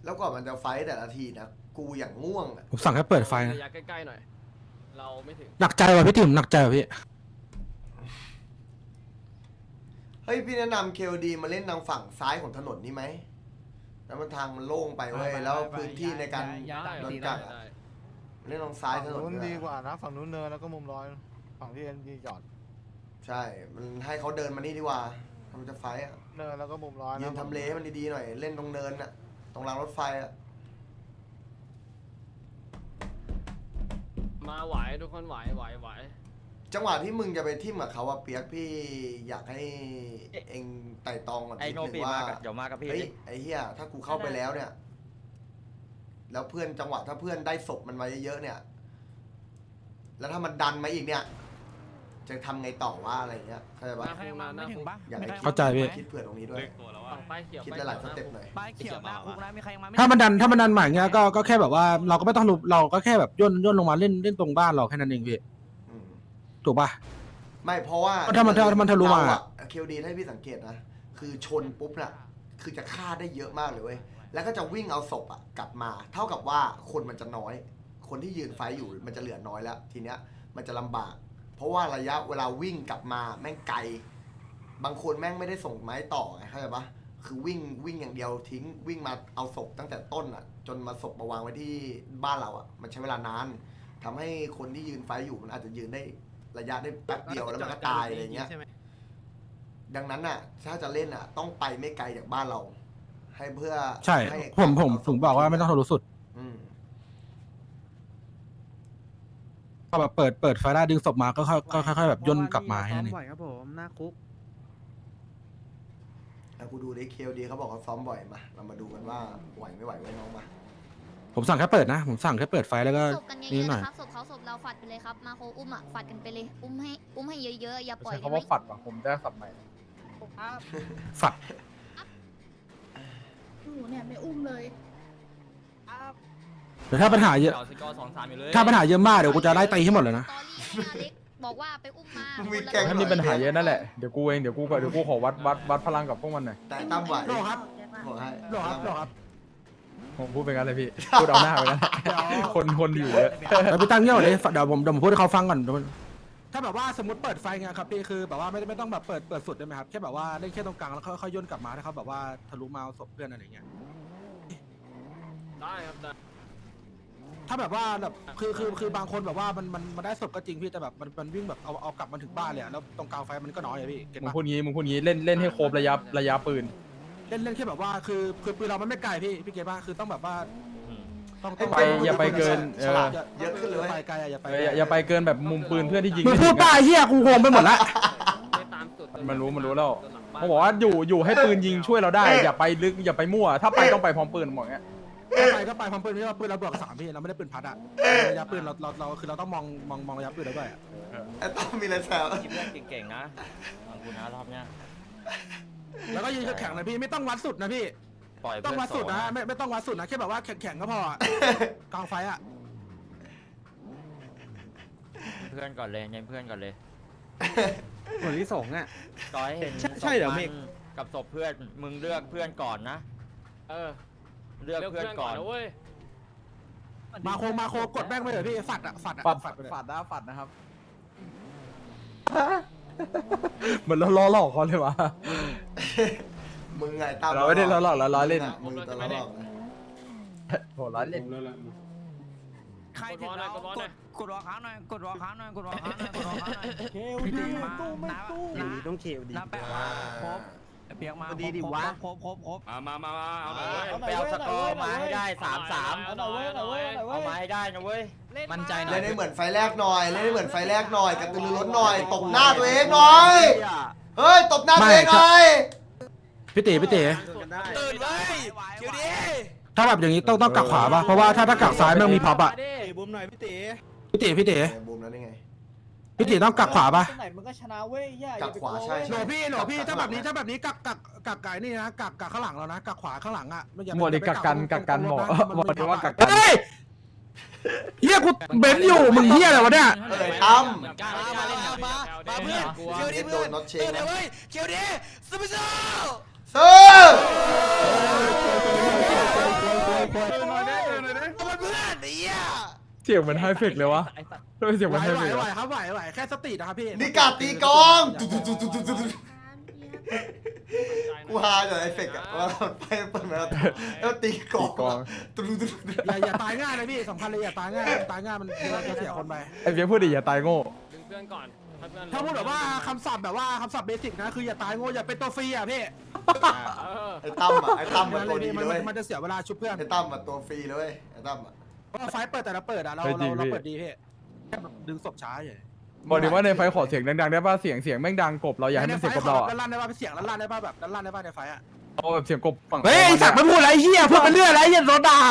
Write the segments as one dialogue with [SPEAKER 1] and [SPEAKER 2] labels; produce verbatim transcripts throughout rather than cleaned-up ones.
[SPEAKER 1] แล้วก่อนมันจะไฟต์แต่ละทีนะกูอย่างง่วงอะ
[SPEAKER 2] ผมสั่งให้เปิดไฟนะ
[SPEAKER 3] ระยะใกล้ๆหน่อยเราไม่ถึง
[SPEAKER 2] หนักใจว่ะพี่ติ๋มหนักใจว่ะพี่
[SPEAKER 1] เฮ้ยพี่แนะนำเคลดีมาเล่นทางฝั่งซ้ายของถนนนี่ไหมแล้วมันทางมันโล่งไปเว้ยแล้วพื้นที่ในการ
[SPEAKER 3] ได้
[SPEAKER 1] โดน
[SPEAKER 3] ได้
[SPEAKER 1] กักอะ
[SPEAKER 3] ได้
[SPEAKER 1] เล่นทางซ้ายถ
[SPEAKER 4] ฝั่ง
[SPEAKER 1] นน
[SPEAKER 4] นู้น
[SPEAKER 1] ด้วย
[SPEAKER 4] ดีกว่านะฝั่งนู้นเนินแล้วก็มุมร้อยฝั่งที่เอ็นดีจอด
[SPEAKER 1] ใช่มันให้เขาเดินมานี่ดีกว่าทำจะไฟต์อะ
[SPEAKER 4] เนินแล้วก็มุมร้อย
[SPEAKER 1] ยืนทำเลให้มันดีๆหน่อยเล่นตรงเนินน่ะตรงรางรถไฟอะ
[SPEAKER 3] มาไหวทุกคนไหวไหวไหว
[SPEAKER 1] จังหวะที่มึงจะไปทิ่มกับเขาอะเปียกพี่อยากให้เองไต่ตองก่อน
[SPEAKER 5] ไอ
[SPEAKER 1] นิด
[SPEAKER 5] โน
[SPEAKER 1] นึ
[SPEAKER 5] ปี
[SPEAKER 1] งว่า
[SPEAKER 5] มากับเดี๋ยวมากับพี่
[SPEAKER 1] เฮ้ยไอ้เหี้ยถ้ากูเข้าไปแล้วเนี่ย แล้วเพื่อนจังหวะถ้าเพื่อนได้ศพมันมาเยอะๆเนี่ย แล้วถ้ามันดันมาอีกเนี่ย จะทำไงต่อว่าอะไรเงี้ยเข้าใจปะ
[SPEAKER 3] มาให้มาไม่ถึงปะ
[SPEAKER 1] อยากให้
[SPEAKER 2] เข้าใจพี่
[SPEAKER 1] คิดเผื่อตรงนี้ด้วย
[SPEAKER 3] ฝั่งป้ายเขียว
[SPEAKER 1] คิดหลายๆสเต็ปหน่อย
[SPEAKER 6] ป้ายเขียวหน้าคุกนะมีใครยังมาไม่
[SPEAKER 2] ถ้ามันดันถ้ามันดันมาอย่างเงี้ยก็ก็แค่แบบว่าเราก็ไม่ต้องรู้เราก็แค่แบบย่นย่นลงมาเล่นเล่นตรงบ้านเราแค่นั้นเองพี่
[SPEAKER 1] อืม
[SPEAKER 2] ถูกป่ะ
[SPEAKER 1] ไม่เพราะว่า
[SPEAKER 2] ถ้ามันถ้ามันทะลุมา
[SPEAKER 1] เคลดีให้พี่สังเกตนะ คือชนปุ๊บน่ะ คือจะฆ่าได้เยอะมากเลยเว้ย แล้วก็จะวิ่งเอาศพอ่ะกลับมา เท่ากับว่าคนมันจะน้อย คนที่ยืนไฟอยู่มันจะเหลือน้อยแล้ว ทีเนี้ยมันจะลำบาก เพราะว่าระยะเวลาวิ่งกลับมาแม่งไกล บางคนแม่งไม่ได้ส่งไม้ต่อไงเข้าใจปะคือวิ่งวิ่งอย่างเดียวทิ้งวิ่งมาเอาศพตั้งแต่ต้นอ่ะ จนมาศพมาวางไว้ที่บ้านเราอ่ะ มันใช้เวลานานทำให้คนที่ยืนไฟอยู่มันอาจจะยืนได้ระยะได้แป๊บเดียวแล้วมันก็ตายอะไรเงี้ย ดังนั้นน่ะ ถ้าจะเล่นอ่ะ ต้องไปไม่ไกลจากบ้านเรา ให้เพื่อ
[SPEAKER 2] ใช่
[SPEAKER 1] ห้
[SPEAKER 2] ผมผมผมบอกว่าไม่ต้องทะลุสุด
[SPEAKER 1] อืม
[SPEAKER 2] ก็แบบเปิดเปิดไฟได้ดึงศพมาก็ค่อยก็ค่อยๆแบบย่นกลับมาให้นั่นเอง
[SPEAKER 6] บ่อยครับผมหน้าคุก
[SPEAKER 1] แล้วกูดูดิเคลดีเขาบอกเขาซ้อมบ่อยมา เรามาดูกันว่าไหวไม่ไหวไว้น้องมา
[SPEAKER 2] ผมสั่งแค่เปิดนะ ผมสั่งแค่เปิดไฟแล้วก็
[SPEAKER 7] ศพกันเย
[SPEAKER 2] นี่
[SPEAKER 7] อะ
[SPEAKER 2] ห
[SPEAKER 7] ๆ
[SPEAKER 2] น่อย
[SPEAKER 7] นะครับศพเขาศพเราฝัดไปเลยครับ มาโคอุ้มอ่ะฝัดกันไปเลย อุ้มให้อุ้มให้เยอะๆอย่าปล่อย
[SPEAKER 4] ใช้
[SPEAKER 7] ได้
[SPEAKER 4] คำ
[SPEAKER 7] ไหม
[SPEAKER 4] ว่าฝัดว่ะผมได้สับใหม่
[SPEAKER 2] ฝัด
[SPEAKER 8] หนูเนี่ยไม่อุ้มเลย
[SPEAKER 2] เดี๋ยวถ้าปัญหาเยอะ
[SPEAKER 5] เก่าสกอร์สองสามอยู่เลย
[SPEAKER 2] ถ้าปัญหาเยอะมากเดี๋ยวกูจะไล่ตีให้หมดเลยนะ
[SPEAKER 7] ตอรี่ให้อเล็กบอกว่าไปอุ้มมา
[SPEAKER 1] มี
[SPEAKER 7] คนละ
[SPEAKER 1] แก๊ง
[SPEAKER 7] ร้
[SPEAKER 4] ถ้ามีปัญหาเยอะนั่นแหละเดี๋ยวกูเองเดี๋ยวกูเดี๋ยวกูขอวัดวัดวัดพลังกับพวกมันหน่อย
[SPEAKER 1] แต่ตั้มไหว
[SPEAKER 2] โลครับ
[SPEAKER 1] บอกให้
[SPEAKER 2] หรอครับหรอครับ
[SPEAKER 4] ผมพูดไปงั้นเลยพี่พูดเอาหน้าไปงั้นคนคนอยู่เยอะ
[SPEAKER 2] เราไปตั้งเงี้ยเลยเดี๋ยวผมเดี๋ยวผมพูดให้เขาฟังก่อนเดี๋ยวมันถ้าแบบว่าสมมติเปิดไฟไงครับพี่คือแบบว่าไม่ไม่ต้องแบบเปิดเปิดสุดได้ไหมครับแค่แบบว่าเล่นแค่ตรงกลางแล้วค่อยๆย่นกลับมาถ้าเขาแบบว่าทะลุมาเอาศพเพื่อนอะไรเงี้ย
[SPEAKER 3] ได้ครับได้
[SPEAKER 2] ถ้าแบบว่าแบบคือคือคือบางคนแบบว่ามันมันมันได้ศพก็จริงพี่แต่แบบมันมันวิ่งแบบเอาเอากลับมาถึงบ้านเลยอะแล้วตรงกลางไฟมันก็น้อยอะพี่เก็ต
[SPEAKER 4] มึง
[SPEAKER 2] ปะ
[SPEAKER 4] พูดงี้มึงพูดงี้เล่นเล่นให้ครบระยะระยะปืน
[SPEAKER 2] เล่นเล่นแค่แบบว่าคือคือปืนเรามันไม่ไกลพี่พี่เก็ตปะคือต้องแบบว่าต้องต้อง
[SPEAKER 4] ไปอย่าไปเกินเอ
[SPEAKER 1] ฉ
[SPEAKER 4] อ
[SPEAKER 1] ลาดเยอะขึ้นเลย
[SPEAKER 2] ไปไกลอะอย่าไป
[SPEAKER 4] อย่าอย่าไปเกินแบบมุมปืนเพื่อนที่ยิง
[SPEAKER 2] มึง
[SPEAKER 4] ไม่
[SPEAKER 2] พู
[SPEAKER 4] ถึ
[SPEAKER 2] ด
[SPEAKER 4] ง
[SPEAKER 2] ป้า
[SPEAKER 4] อะ
[SPEAKER 2] เฮียกูโหมไปหมดละ
[SPEAKER 3] ไม่ตามสุด
[SPEAKER 4] มันรู้มันรู้แล้วเขาบอกว่าอยู่อยู่ให้ปืนยิงช่วยเราได้อย่าไปลึกอย่าไปมั่วถ้าไปต้องไปพร้อมปืนบอกเงี้ย
[SPEAKER 2] ถ้าไปก็ไปพร้อมปืนไม่ใช่ว่าปืนเราบวกสามพี่เราไม่ได้ปืนพัดอะระยะปืนเราเราเราคือเราต้องมองมองมองระยะปืนเราด้วยอะ
[SPEAKER 1] ไอ้ตั้มมีอะไรแซว
[SPEAKER 5] ทีมเพื่อนเก่งๆนะฟังกูนะรอบเนี้ย
[SPEAKER 2] แล้วก็ยืนแข็งๆนะพี่ไม่ต้องวัดสุดนะพี่
[SPEAKER 5] ปล่อย
[SPEAKER 2] ต้
[SPEAKER 5] เพื่
[SPEAKER 2] อง
[SPEAKER 5] อน
[SPEAKER 2] วัด
[SPEAKER 5] โส
[SPEAKER 2] สุด
[SPEAKER 5] ด
[SPEAKER 2] นะ
[SPEAKER 5] นะ
[SPEAKER 2] ไม่ไม่ต้องวัดสุดนะแค่แบบว่าแข็งๆก็พออะกลางไฟอะ
[SPEAKER 5] เพื่อนก่อนเลยเน้นเพื่อนก่อนเลย
[SPEAKER 6] เหมือนที่สองอ่ะ
[SPEAKER 5] ต่อให้เห็น
[SPEAKER 6] ใช่ใช่เหรอ
[SPEAKER 5] ศพ
[SPEAKER 6] เมฆ
[SPEAKER 5] นกับศพเพื่อนมึงเลือกเพื่อนก่อนนะ
[SPEAKER 3] เออ
[SPEAKER 5] เลือกเพื่อนก่อน
[SPEAKER 3] นะเว้ย
[SPEAKER 2] มาโคมาโคกดแม่งไปเลยพี่ฝัดอะฝัดอะ
[SPEAKER 4] ฝัด
[SPEAKER 2] ฝัดไปเลย
[SPEAKER 4] ฝัดนะฝัดนะครับเหมือนเราล้อหลอกเขาเลยวะ
[SPEAKER 1] มึงไงตั้ม
[SPEAKER 4] เราไม่ได้ล้อหลอกเราล้อเล่น
[SPEAKER 1] มึงตัวล้อหลอกนะ
[SPEAKER 4] โหล้อเล่น
[SPEAKER 6] ใครถึงแล้วกดกดรอค้างหน่อยกดรอค้างหน่อยกดรอค้างหน่อยกดรอค้างหน่อยเคลดีตู้ไม่ตู้นะต้องเคลดีน้าแปะมาครบเปียกมาดีดิวะครบครบครบ
[SPEAKER 5] มามามามาเอาหน่อยเว้ยไปเอาสกอร์มาให้ได้สามสาม
[SPEAKER 3] เอาหน่อยเว้ยเอาหน่อยเว้ย
[SPEAKER 5] เอามาให้ได้นะเว้ย
[SPEAKER 6] มั่นใจหน่อ
[SPEAKER 1] เล่
[SPEAKER 6] ย
[SPEAKER 1] นให้เหมือนไฟแรกหน่อยเล่นให้เหมือนไฟแรกหน่อยกระตือรือร้นหน่อยตบหน้าตัวเองหน่อยเฮ้ยตบหน้าตัวเองหน่อย
[SPEAKER 2] พี่ตีพี่ตี
[SPEAKER 6] ตื่นไว้คิวดี
[SPEAKER 2] ถ้าแบบอย่างนี้ต้องต้องกักขวาป่ะเพราะว่าถ้าถ้ากักซ้ายมันมีพับอะ
[SPEAKER 6] บุ้มหน่อยพี่ตี
[SPEAKER 2] พี่ตีพี่ตี
[SPEAKER 1] เออบูมแล้วนี่ไง
[SPEAKER 2] พี่ตีต้องกักขวาป่ะ
[SPEAKER 8] ไหนมันก็ชนะเว้ยย่า
[SPEAKER 1] กักขวาใช่
[SPEAKER 2] ห
[SPEAKER 1] ใช่
[SPEAKER 2] นูพี่หนูพี่ถ้าแบบนี้ถ้าแบบนี้กักกักกักไก่นี่นะกักกักข้างหลังเรานะกักขวาข้างหลังอะไม่อย่า
[SPEAKER 4] หมดดิ
[SPEAKER 2] ไป
[SPEAKER 4] กักกัน
[SPEAKER 2] ตรง
[SPEAKER 4] กักกัน
[SPEAKER 2] ตรง
[SPEAKER 4] หมอ
[SPEAKER 2] รถนะ
[SPEAKER 4] หมดดิว่ากักกัน
[SPEAKER 2] เฮ้ยเฮียกูเบนอยู่มึงเฮียอะไรวะเนี่ย
[SPEAKER 1] เออตั้ม
[SPEAKER 5] เหมือนกัน
[SPEAKER 6] มามาเล่นมามามาเพื่อนคิวดี
[SPEAKER 1] โด
[SPEAKER 6] เพื่อน
[SPEAKER 1] นน็อตเช
[SPEAKER 6] ตื่
[SPEAKER 1] ง
[SPEAKER 6] นเลยเว้ยคิวดีซูเปอร์โซ่
[SPEAKER 1] ซื้อ
[SPEAKER 2] วย
[SPEAKER 1] มันเพื่อนไอ้เหี้ย
[SPEAKER 4] เสียงเหมือนไฮเฟกเลยวะทำไมเสียงเห
[SPEAKER 2] ไหว
[SPEAKER 4] มือนไฮ
[SPEAKER 2] ไหว
[SPEAKER 4] เฟก
[SPEAKER 2] ไหว
[SPEAKER 4] วะ
[SPEAKER 2] ครับไหวไหวแค่สตินะครับพี่
[SPEAKER 1] นี่กาดตีกลองตุ๊ดตุ๊ดตุ๊ดตุ๊ดตุ๊ดตุ๊ดกูฮาจากไอ้เฟกอะว่าไปเปิดมาแล้วตีกลองตุ๊ดตุ๊ดตุ๊ด
[SPEAKER 2] อย่าอย่าตายง่ายนะพี่สำคัญเลยอย่าตายง่ายตายง่ายมันจะเสียคนไป
[SPEAKER 4] ไอ้เฟียพูดดิอย่าตายโง่
[SPEAKER 3] ดึงเพื่อนก่อนถ้าเพื่อน
[SPEAKER 2] ถ้าพูดแบบว่าคำศัพท์แบบว่าคำศัพท์เบสิกนะคืออย่าตายโง่อย่าเป็นตัวฟรีอ่ะพี่
[SPEAKER 3] เออ
[SPEAKER 1] ไอ้ตั้มอะไอ้ตั้มมันตัวดี
[SPEAKER 2] มัน
[SPEAKER 1] เลย
[SPEAKER 2] มันจะเสียเวลาชุบเพื่อน
[SPEAKER 1] ไอ้ตั้มอะตัวฟรีเลยไอ้ตั้มอะ
[SPEAKER 2] เพราะไฟเปิดแต่ละเปิดอ่ะเราเราเราเปิดดีพี่แค่แบบดึงศพช้าอย่าง
[SPEAKER 4] บอกดิว่าในไฟขอเสียงดังๆได้ป่ะเสียงเสียงแม่งดังกบเราอยากให้มันเสียงกบเราอะ
[SPEAKER 2] ด้านล่างได้ป่ะเสียงด้านล่างได้ป่ะแบบด้านล่างได้ป่ะในไฟอ่ะ
[SPEAKER 4] เอาแบบเสียงกบฝั่ง
[SPEAKER 2] เฮ้ยสักไม่พูดอะไรเฮียพูดเป็นเรื่องอะไรเฮียโดนด่า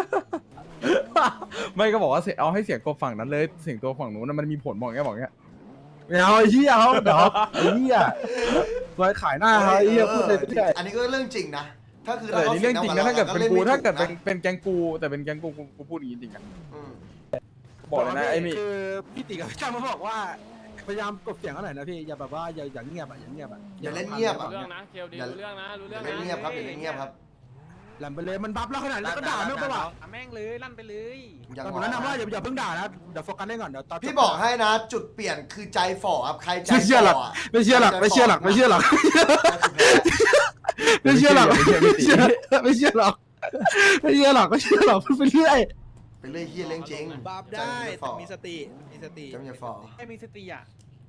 [SPEAKER 4] ไม่ก็บอกว่าเสียเอาให้เสียงกบฝั่งนั้นเลยเสียงตัวฝั่งนู้นนะมันมีผลบอกแค่บอกแค่
[SPEAKER 2] ไม่เอาไอ้เฮียเขาเดี๋ยวไอ้เฮียไว้ขายหน้าเขาไอ้เฮียพูดเลยไม่ได้
[SPEAKER 1] อันนี้ก็เรื่องจริงนะถ้าคือ
[SPEAKER 4] เออนี่เรื่องจริงนะถ้าเกิดเป็นกูถ้าเกิดเป็น
[SPEAKER 1] น
[SPEAKER 4] เป็นแกงกูแต่เป็นแกงกูกูกูพูดอย่างนี้จริงอะ
[SPEAKER 1] อืม
[SPEAKER 4] บอกเลยนะไอ้นี่
[SPEAKER 2] คือพี่ติ๋กับพี่จ้ามาบอกว่าพยายามกดเสียงเขาหน่อยนะพี่อย่าแบบว่าอย่าอย่าเงียบอ่ะอย่าเงียบอ่ะ
[SPEAKER 1] อย่าเล่นเงียบ
[SPEAKER 3] รู้
[SPEAKER 1] อะ
[SPEAKER 3] เรื่องนะเคลดีรู้เรื่องนะรู้
[SPEAKER 1] อ
[SPEAKER 3] เรื่อย่าง
[SPEAKER 1] เล่น
[SPEAKER 3] นะ
[SPEAKER 1] เงียบครับอย่าเล่นเงียบครับ
[SPEAKER 2] แหลมไปเลยมันบัฟแล้วขนาดแล้วก็ด่าไม่เป็นไร
[SPEAKER 5] แม่งเลยลั่นไปเลย
[SPEAKER 1] อย่าง
[SPEAKER 2] แต่ผมแนะนำว่าอย่าอย่าเพิ่งด่านะเดี๋ยวโฟกัสเล่นก่อนเดี๋ยวตอน
[SPEAKER 1] พี่บอกให้นะจุดเปลี่ยนคือใจฝ่อครับใครใจ
[SPEAKER 2] ไม่เชื่อหรอก
[SPEAKER 1] ฝ่ะ
[SPEAKER 2] ไม่เชื่อหรอกไม่เชื่อหรอกไม่เชื่อหรอกไม่เชื่อหรอกไม่เชื่อไม่เชื่อหรอกไม่เชื่อหรอกไม่เชื่อหรอกพูดไปเรื่อย
[SPEAKER 1] ไปเรื่อยเฮียเรื่องจริง
[SPEAKER 6] บัฟได้แต่มีสติมีสติ
[SPEAKER 1] จำอย่าฝ่อ
[SPEAKER 6] ให้มีสติอ่ะ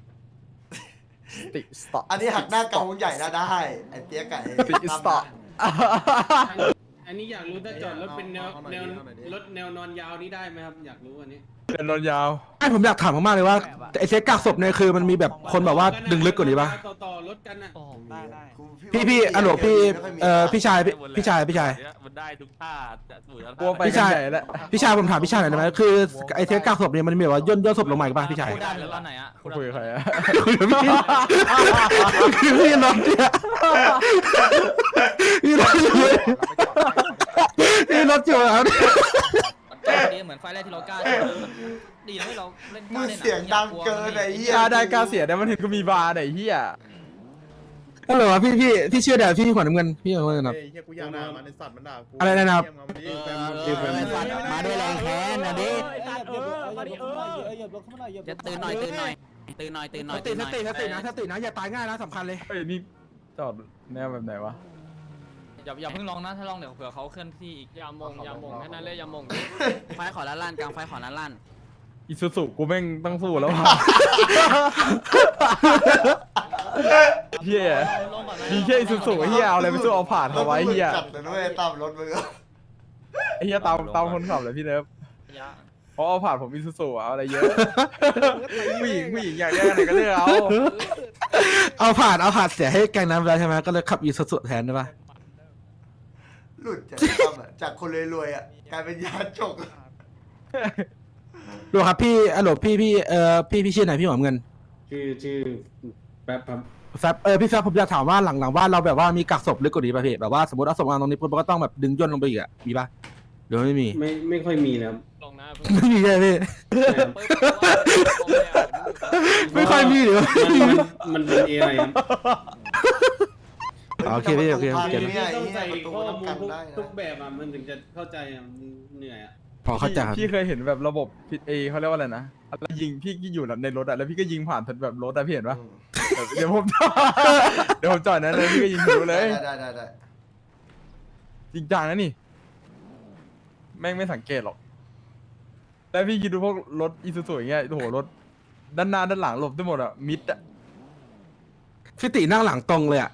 [SPEAKER 4] ติสต็อป
[SPEAKER 1] อันนี้หักหน้าเกาใหญ่นะได้ไอ้เตี้ยไก่
[SPEAKER 4] ติสต็อป
[SPEAKER 9] อันนี้อยากรู้ถ้าจอดรถเป็นแนวแนวรถแนวนอนยาวนี้ได้ไหมครับ อยากรู้อันนี้
[SPEAKER 4] เป็นนอนยาว
[SPEAKER 2] ไอ้ผมอยากถามมากๆเลยว่าไอ้เซ็ตกักศพเนี่ยคือมันมีแบบคนแบบว่าดึงลึกกว่านี้ปะ
[SPEAKER 9] ต่อต่อรถกันอ่ะ
[SPEAKER 6] ได้ได้
[SPEAKER 2] พี่พี่อโลพี่เอ่อพี่ชายพี่พี่ชายพี่ชาย
[SPEAKER 5] มันได้ทุกท่าจะสวยแล้ว
[SPEAKER 4] กลัวไป
[SPEAKER 2] พี่
[SPEAKER 4] กัน
[SPEAKER 2] ชาย
[SPEAKER 4] ใหญ่แล้ว
[SPEAKER 2] พี่ชายผมถามพี่ชายหน่อยได้ไหมคือไอ้เซ็ตกักศพเนี่ยมันมีแบบว่าย่นย่นศพลงมาอีกปะพี่ชาย
[SPEAKER 5] ได้แล้วไหนอ่ะ
[SPEAKER 4] คุยกับใครอะ
[SPEAKER 2] คุยกับพี่คือพี่รถเนี่ยพี่รถอยู่พี่รถอยู่ครับ
[SPEAKER 5] ดีเหมือนไฟแรกที่เรากล้าดีนะที่เราเล่น
[SPEAKER 1] มือเสียงดังเกินไอ้เหี้ย
[SPEAKER 4] กล้าได้กล้าเสียได้มันเห็นก็มีบาร์ไหนเฮีย
[SPEAKER 2] ฮัลโหลพี่พี่พี่เชื่อเดี๋ยวพี่หัวน้ำเงินพี่หัวน้ำเงินครับ
[SPEAKER 9] เฮียกูอยากด่ามันในสัตว์มันด่ากู
[SPEAKER 2] อะไรนะครับ
[SPEAKER 6] มาด้วยแรงแค้นนะดิ
[SPEAKER 5] จะตื่นหน่อยตื่นหน่อยตื่นหน่อยตื่นหน่อย
[SPEAKER 2] สติสติสตินะสตินะอย่าตายง่ายนะสำคัญเลย
[SPEAKER 4] เฮ้ยนี่จอดแนวแบบไหนวะ
[SPEAKER 5] อย่าอย่าเพิ่งลองนะถ้าลองเดี๋ยวเผื่อเขาเคลื่อนที่อีก
[SPEAKER 3] อย่ามงอย่ามงแค่นั้นเลยอย่ามง
[SPEAKER 5] ไฟขอล้านล้านกลางไฟขอล้านล้าน
[SPEAKER 4] อิซูซุกูแม่งต้องสู้แล้วว่ะเฮียมีแค่อิซูซุเฮียเอาอะไรไปสู้เอาผ่านเขาไว้เฮีย
[SPEAKER 1] จัดเลยด้วยตามรถมือ
[SPEAKER 4] ไอ้เฮียตามตามคนขับเลยพี่เนิร์ฟเพราะเอาผ่านผมอิซูซุเอาอะไรเยอะผู้หญิงผู้หญิงอยากได้อะไรก็เลือกเอา
[SPEAKER 2] เอาผ่านเอาผ่านเสียให้แกงน้ำแล้วใช่ไหมก็เลยขับอีสุดแทนได้ปะ
[SPEAKER 1] หลุดจากตั้มอะจากคนรวยๆอ่ะกลายเป็นยาจก
[SPEAKER 2] ดูครับพี่อโลพี่พี่เอ่อพี่พี่ชื่อไหนพี่หัวน้ำเงิน
[SPEAKER 9] ชื่อชื่อแป๊บครับ
[SPEAKER 2] แฟบเออพี่แฟบผมอยากถามว่าหลังหลังบ้านเราแบบว่ามีกักศพลึกกว่านี้ป่ะพี่แบบว่าสมมติเอาศพวางตรงนี้ปุ๊บมันก็ต้องแบบดึงย่นลงไปอีกอะมีป่ะหรือไม่มี
[SPEAKER 9] ไม่ไม่ค่อยมีแล้ว
[SPEAKER 3] ลงนะ
[SPEAKER 2] ไม่มีใช่ไหมพี่ไม่ค่อยมีหรือว่า
[SPEAKER 9] มันมันเป็นเอไรครับ
[SPEAKER 2] โอเคพี่โอเคโอเค
[SPEAKER 1] เนี่ย
[SPEAKER 9] ต้อง
[SPEAKER 1] ไอ้
[SPEAKER 9] ใส่
[SPEAKER 1] เหี้ยประตู
[SPEAKER 9] ข้อ
[SPEAKER 1] ต้อง
[SPEAKER 9] มู
[SPEAKER 1] กั
[SPEAKER 9] ล
[SPEAKER 1] น
[SPEAKER 9] ทุก
[SPEAKER 1] ได้
[SPEAKER 9] ทุก
[SPEAKER 1] นะ
[SPEAKER 9] แบบอ่ะมันถึงจะเข้าใจอ่ะมันเหนื่อยอ่ะ
[SPEAKER 2] พอเข้าใจครับ
[SPEAKER 4] พี่เคยเห็นแบบระบบพี่เอเขาเรียกว่าอะไรนะแล้วยิงพี่อยู่ในรถอะแล้วพี่ก็ยิงผ่านแบบรถอะพี่เห็นปะ
[SPEAKER 1] อืม
[SPEAKER 4] เดี๋ยวผม เดี๋ยวผมจอดนั้นเลยพี่ก็ยิงทะลุเลย
[SPEAKER 1] ได้ได้ได้
[SPEAKER 4] จริงจังนะนี่ แม่งไม่สังเกตหรอกแล้วพี่คิดดูพวกรถอีซูซูอย่างเงี้ยโอ้โหรถด้านหน้าด้านหลังหลบได้หมดอะมิดอะ
[SPEAKER 2] พี่ตินั่งหลังตรงเลยอะ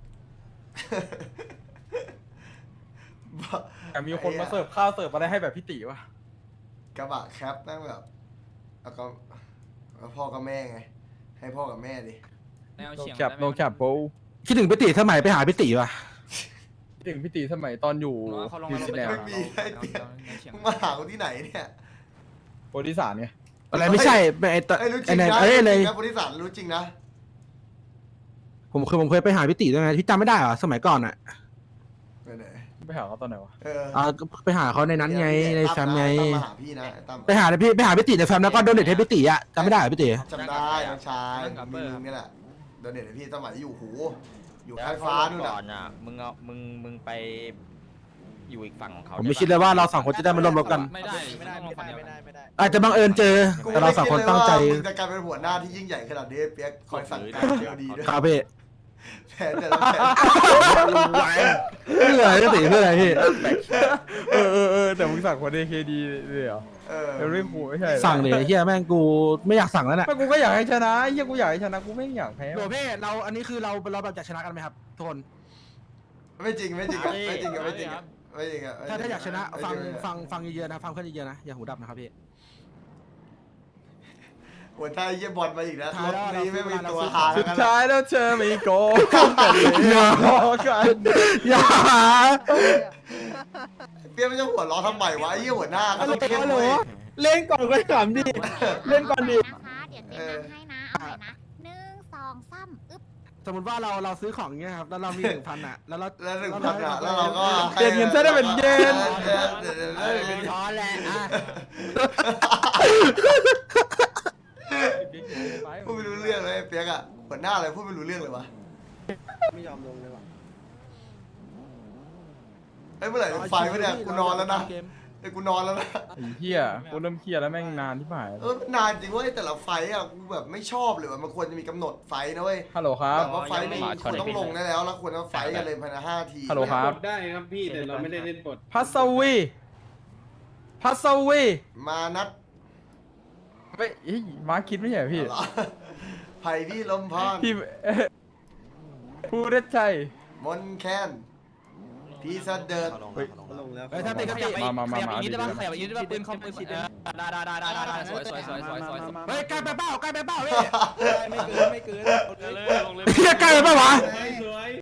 [SPEAKER 4] แต่มีคนมาเสิร์ฟข้าวเสิร์ฟอะไรให้แบบพี่ติวะ
[SPEAKER 1] กระบะแคปนั่งแบบแล้วก็แล้วพ่อกับแม่ไง ให้พ่อกับแม่ดิ
[SPEAKER 5] แนว
[SPEAKER 4] โน
[SPEAKER 5] เฉียง
[SPEAKER 4] แคปโนแคปโบ
[SPEAKER 2] คิดถึงพี่ติสมัยไปหาพี่ติป่ะ
[SPEAKER 4] ถึงพี่ติสมัยตอนอยู่
[SPEAKER 5] เขาลง
[SPEAKER 4] นิ
[SPEAKER 5] มาว ลง
[SPEAKER 4] ซี
[SPEAKER 5] ไป
[SPEAKER 4] แลน
[SPEAKER 5] ก่อน
[SPEAKER 4] ด์
[SPEAKER 1] มึงมาหากูที่ไหนเนี่ย
[SPEAKER 4] โปรดิสานไง
[SPEAKER 2] อะไรไม่ใช่ไอ้ต
[SPEAKER 1] ไอ้ยรู้จริ
[SPEAKER 2] ไอ้
[SPEAKER 1] ง
[SPEAKER 2] ไหน
[SPEAKER 1] นะ
[SPEAKER 2] เอ้ยอะไร
[SPEAKER 1] นะบริษัทรู้จริงนะ
[SPEAKER 2] ผมเคยผมเคยไปหาพี่ติด้วยไงพี่จำไม่ได้เหรอสมัยก่อนอะ
[SPEAKER 1] ไปไหน
[SPEAKER 4] ไปหาเขาตอนไหนวะ
[SPEAKER 1] เออ
[SPEAKER 2] อ่าก็ไปหาเขาในนั้นไงในแฟมไง
[SPEAKER 1] ตั้มมาหาพี่นะไอ้ตั้ม
[SPEAKER 2] ไปหาพี่ไปหาพี่ติในแฟมแล้วก็โดเนทให้พี่ติอะจำไม่ได้เหรอพี่ติ
[SPEAKER 1] จำได้น้องชายมีมึงนี่แหละโดนเน็ตให้พี่สมัยอยู่หูอยู่ท้ายฟ้านู่น
[SPEAKER 5] ก่อ
[SPEAKER 1] น่ะ
[SPEAKER 5] นอ่ะมึงเอามึงมึงไปอยู่อีกฝั่งของเขา
[SPEAKER 2] ผมไม่คิดเลยว่าเราสองคนจะได้มาร่วมรบกัน
[SPEAKER 5] ไม่ได้
[SPEAKER 6] ไม่ได้ไม่ได้ไม่ได้ไม่ได้
[SPEAKER 2] อาจจะบังเอิญเจอ
[SPEAKER 1] กู
[SPEAKER 2] แต่เราสองคนตั้งใจ
[SPEAKER 1] ไม่คิดเลยว่ามึงจะกลายเป็นหัวหน้าที่ยิ่งใหญ่ขนาดนี้เปียกคอยสั่งการเดียวดีด้วย
[SPEAKER 2] ครับพี่
[SPEAKER 1] แผนแต่ละแผน
[SPEAKER 2] เพื่ออะไรก็ตีเพื่ออะไรพี่
[SPEAKER 4] เออเออเออแต่มึงสั่งคนเอเคดีเลยเหรอ
[SPEAKER 1] เออ
[SPEAKER 4] เอลลี่คูไม่ใช่หรอ
[SPEAKER 2] สั่งเลยเฮียแม่งกูไม่อยากสั่งแล้วน่ะ
[SPEAKER 4] ไม่กูก็อยากให้ชนะไอ้เหี้ยกูอยากให้ชนะกูไม่อยากแพ้
[SPEAKER 2] โดพี่เราอันนี้คือเราเราแบบอยากชนะกันไหมครับทุกคน
[SPEAKER 1] ไม่จริงไม่จริงอะไม่จริงอะไม่จริงอะไม่จริงอะ
[SPEAKER 2] ถ้าถ้าอยากชนะฟัง
[SPEAKER 1] ไม่จริอะ
[SPEAKER 2] ฟังฟังเยอะๆนะฟังเพื่อนเยอะๆนะอย่าหูดับนะครับพี่
[SPEAKER 1] หัวท้ายเยี่ยบอลมาอีกนะ
[SPEAKER 2] ท้ายแล้ว
[SPEAKER 1] รถนี้ไม่มีตัว
[SPEAKER 2] เรา
[SPEAKER 1] หา
[SPEAKER 4] สุ
[SPEAKER 1] แล้ว
[SPEAKER 4] ด
[SPEAKER 1] กัน
[SPEAKER 4] ท้ายแล้วเธอไม่โกงกันเลย
[SPEAKER 2] อย่า
[SPEAKER 4] กัน
[SPEAKER 2] อย่า
[SPEAKER 1] เปียกไม่ต้องหัวล้อทำไมวะไอ้เยี่ยหัวหน้าก็ต้องเข้มเว้ย
[SPEAKER 4] เล่นก่อนก็ขำดิ เล่นก่อนดิ
[SPEAKER 7] นะคะเดี๋ยวเต้นนำให้นะเอาใหม่นะหนึ่งสองสามอึ๊บ
[SPEAKER 2] สมมติว่าเราเราซื้อของเงี้ยครับแล้วเรามีหนึ่งพันอ่ะแล้วเรา
[SPEAKER 1] แล้วหนึ่งพันอะแล้วเราก็
[SPEAKER 4] เปลี่ยนเงินซะได้เป็นเย็น
[SPEAKER 1] เดี๋ยวเดี๋ยวเดี๋ยวเดี๋ยวเดี๋ยว
[SPEAKER 6] ช้อนแหละอ่ะ
[SPEAKER 1] พูดไม่รู้เรื่องเลยเปียกอะหัวหน้าอะไรพูดไม่รู้เรื่องเลยวะ
[SPEAKER 6] ไม่ยอมลงเลยว่ะ
[SPEAKER 1] เฮ้ยเมื่อไหร่จะไฟวะเนี่ยกูนอนแล้วนะไอ้ยกูนอนแล้วนะ
[SPEAKER 4] ไอ้เหี้ยกูเริ่มเครียดแล้วแม่งนานที่ผ่าน
[SPEAKER 1] เออนานจริงเว้ยแต่ละไฟต์อะกูแบบไม่ชอบเลยว่ะมันควรจะมีกำหนดไฟต์นะเว้ย
[SPEAKER 4] ฮัลโหลครับ
[SPEAKER 1] แบบว่าไฟต์นี้ควรต้องลงได้แล้วแล้วควรจะไฟต์กันเลยภายในห้าที
[SPEAKER 4] ฮัลโหลครับ
[SPEAKER 9] กดได้ครับพี่แต่เราไม่ได้เล่นบท
[SPEAKER 4] พัสวีพัสวี
[SPEAKER 1] มานัด
[SPEAKER 4] เฮ้ยเฮ้ยมาร์คคิดไม่ใช่เหรอพี่
[SPEAKER 1] เหรอไผ่พี่ลมพร
[SPEAKER 4] พี่พูดได้ใจ
[SPEAKER 1] มนแคนพี่เสดิร์ด
[SPEAKER 4] เฮ้ย
[SPEAKER 6] ลงแล้ว
[SPEAKER 2] เฮ้ยถ้าเป็นก็
[SPEAKER 5] ขยับไป
[SPEAKER 4] มามามา
[SPEAKER 5] ขยับอีกนิดได้ปะ
[SPEAKER 4] มา
[SPEAKER 5] ขยับอีกนิดได้ปะปืนคอมปืนเออได้ได้ได้ได้ได้สวยสวยสวยสวยสวย
[SPEAKER 2] เฮ้ยใกล้ไปเป้าใกล้ไปเป้าพี่
[SPEAKER 6] ไม่เกินไม่เกิน
[SPEAKER 3] เลยลงเลย
[SPEAKER 2] เฮียใกล้ไปเป้าวะ
[SPEAKER 9] สวย